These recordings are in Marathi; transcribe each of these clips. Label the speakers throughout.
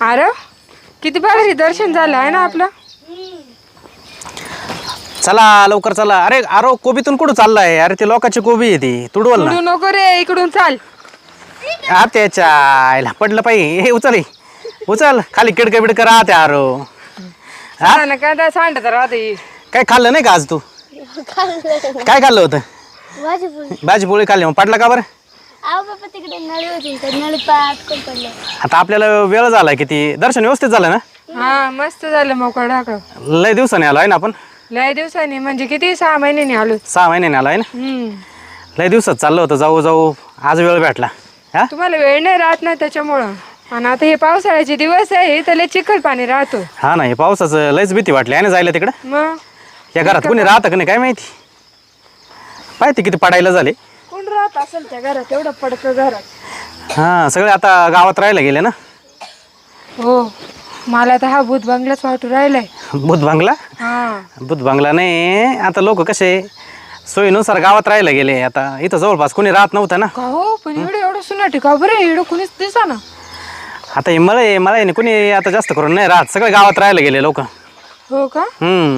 Speaker 1: अरे किती भारी दर्शन झालं आहे ना आपलं.
Speaker 2: चला लवकर चला. अरे अरे कोबीतून कुठं चाललाय? अरे ते लोकांची कोबी आहे ती, तुडवल ना.
Speaker 1: उडू नको रे, इकडून चाल.
Speaker 2: त्याच्या आईला पडलं पाहिजे. हे उचल, उचल खाली. किडकं बिडकं राहते. अरो
Speaker 1: काय सांगत राहते.
Speaker 2: काय खाल्लं नाही का आज तू? काय खाल्लं होतं? भाजी पोळी खाल्ली. मग पडला का बरं? आता आपल्याला वेळ झाला किती. दर्शन व्यवस्थित झालं ना?
Speaker 1: हा मस्त झालं. मोकळं ढाकळ.
Speaker 2: लय दिवसाने आलो आहे ना आपण.
Speaker 1: लय दिवसांनी म्हणजे किती 6 महिन्यांनी आलो.
Speaker 2: 6 महिन्याने आलो आहे ना. लय दिवसात चाललं होतं जाऊ जाऊ. आज वेळ भेटला. हा
Speaker 1: तुम्हाला वेळ नाही राहत ना त्याच्यामुळं. आणि आता हे पावसाळ्याचे दिवस आहे तर लय चिखल पाणी राहतो.
Speaker 2: हा ना, हे पावसाचं लयच भीती वाटली आहे ना जायला तिकडं.
Speaker 1: मग
Speaker 2: या घरात कोणी राहतं का नाही काय माहिती. पाहिजे किती पडायला झाले.
Speaker 1: कोण राहत असेल त्या घरात? एवढं पडकं घरात.
Speaker 2: हा सगळे आता गावात राहायला गेले ना.
Speaker 1: हो मला तर हा भूत बंगलाच वाटू राहिलाय.
Speaker 2: भूत बंगला?
Speaker 1: हा
Speaker 2: भूत बंगला नाही. आता लोक कसे सोयीनुसार गावात राहायला गेले. आता इथं जवळपास कोणी राहत नव्हतं ना.
Speaker 1: का हो, पण एवढं सुनाटी का बरं? एवढं कोणीच दिसा ना.
Speaker 2: आता हे मला कोणी आता जास्त करून नाही राहत. सगळे गावात राहायला गेले लोक.
Speaker 1: हो का?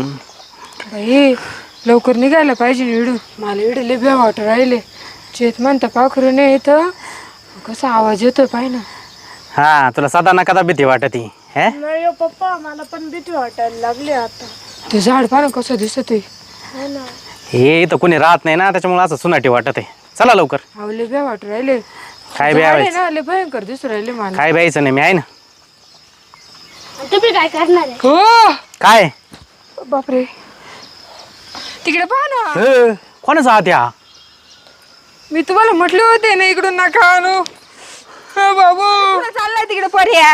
Speaker 1: बाई लवकर निघायला पाहिजे ना इडून. मला इडं लय भ्या वाटू राहिले. चेत म्हणता पाखरू नाही इथं. कसा आवाज येतोय पाय ना.
Speaker 2: हा तुला सदा ना कदा भीती वाटती हे?
Speaker 1: नाही हो पप्पा, मला पण भीती वाटायला लागली आता. ते झाड पाहा कसं दिसत आहे.
Speaker 2: हे इथं कोणी राहत नाही ना त्याच्यामुळे असं सुनाटी वाटत आहे. चला लवकर.
Speaker 1: लय भ्या वाटू राहिले.
Speaker 2: काय
Speaker 1: झाड आहे
Speaker 2: ब्यायचं?
Speaker 1: ना लय भयंकर दिसू राहिले मला.
Speaker 2: काय ब्यायचं नाही मी आहे ना.
Speaker 3: तुम्ही काय करणार आहे?
Speaker 1: हो
Speaker 2: काय
Speaker 1: बापरे, तिकडे पहा ना.
Speaker 2: कोणाचा हात या?
Speaker 1: मी तुम्हाला म्हटले होते ना इकडून नका आणू. बाबू चाललाय तिकडे पर्या.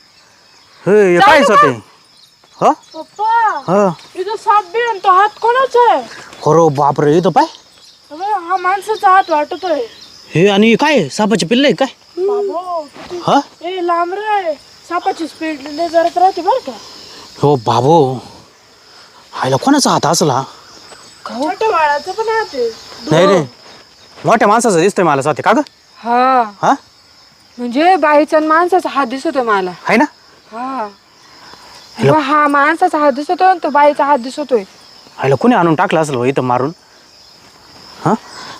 Speaker 2: काय होते? हो
Speaker 1: पप्पा
Speaker 2: हो
Speaker 1: इथं साप बी आणि तो हात कोणाचा आहे?
Speaker 2: खरो बापरे. इथं पाय.
Speaker 1: हा माणसाचा हात वाटतोय.
Speaker 2: हे आणि काय सापाचे पिल्ले काय?
Speaker 1: बाबू
Speaker 2: हा
Speaker 1: ए लांब रे. सापाची स्पीड जरा राहते बरं का.
Speaker 2: हो बाबू. हायला कोणाचा हात असला?
Speaker 1: मोठ्या बाळाचं पण हात आहे.
Speaker 2: नाही रे, मोठ्या माणसाचा दिसतोय मला स्वाती. का ग?
Speaker 1: हा
Speaker 2: हा
Speaker 1: म्हणजे बाईचा आणि माणसाचा हात दिसतोय मला.
Speaker 2: आहे ना.
Speaker 1: हा बा, हा माणसाचा हात दिसतोय आणि तो बाईचा हात दिसतोय.
Speaker 2: हायला कोणी आणून टाकलं असलं इथं मारून. हा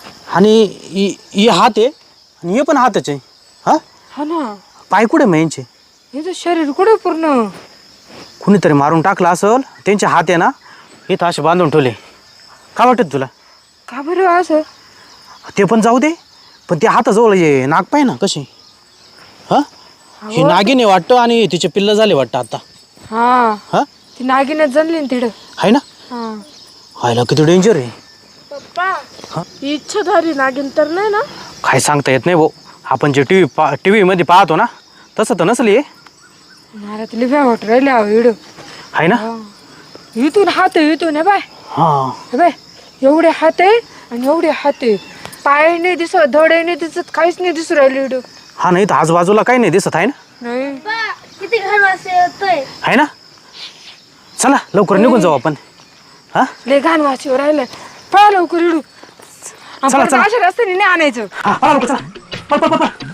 Speaker 2: आणि हे हात आहे आणि हे पण हातच आहे. हा
Speaker 1: हा ना.
Speaker 2: पाय कुठे मग यांचे?
Speaker 1: हे शरीर कुठे पूर्ण.
Speaker 2: कुणीतरी मारून टाकलं असल. त्यांचे हात आहे ना इथं असे बांधून ठेवले. का वाटत तुला?
Speaker 1: का बरं असं?
Speaker 2: ते पण जाऊ दे, पण ते हाताजवळ ये नाग पाय ना कशी. हा हे नागिने वाटतं आणि तिचे पिल्ल झाले वाटतं आता.
Speaker 1: हा
Speaker 2: हा
Speaker 1: ती नागिनच जणली ना तिकडं.
Speaker 2: आहे ना.
Speaker 1: हा
Speaker 2: हायला किती डेंजर आहे.
Speaker 1: पप्पा इच्छाधारी नागिन तर नाही ना?
Speaker 2: काय सांगता येत नाही भाऊ. आपण जे टीव्ही मध्ये पाहतो ना तसं तर नसली.
Speaker 1: मला तुला भ्या वाटू राहिले इडं.
Speaker 2: आहे ना.
Speaker 1: इथून हात आहे, इथून आहे बाय.
Speaker 2: हा
Speaker 1: बाय एवढे हात आहे आणि एवढे हात आहे. पाय नाही दिसत, धडे नाही दिसत, काहीच नाही दिसू राहिले इडं.
Speaker 2: हा नाही तर आजूबाजूला काही नाही दिसत आहे ना.
Speaker 1: नाही
Speaker 3: किती घाण वास येतोय.
Speaker 2: आहे ना. चला लवकर निघून जाऊ आपण. हा
Speaker 1: लय घाण वाशीवर राहिलं. पळा लवकर इडू.
Speaker 2: चला, चला.
Speaker 1: अशा रस्त्याने नाही आणायचं.
Speaker 2: हा लवकर चला. पळ, पळ, पळ, पळ.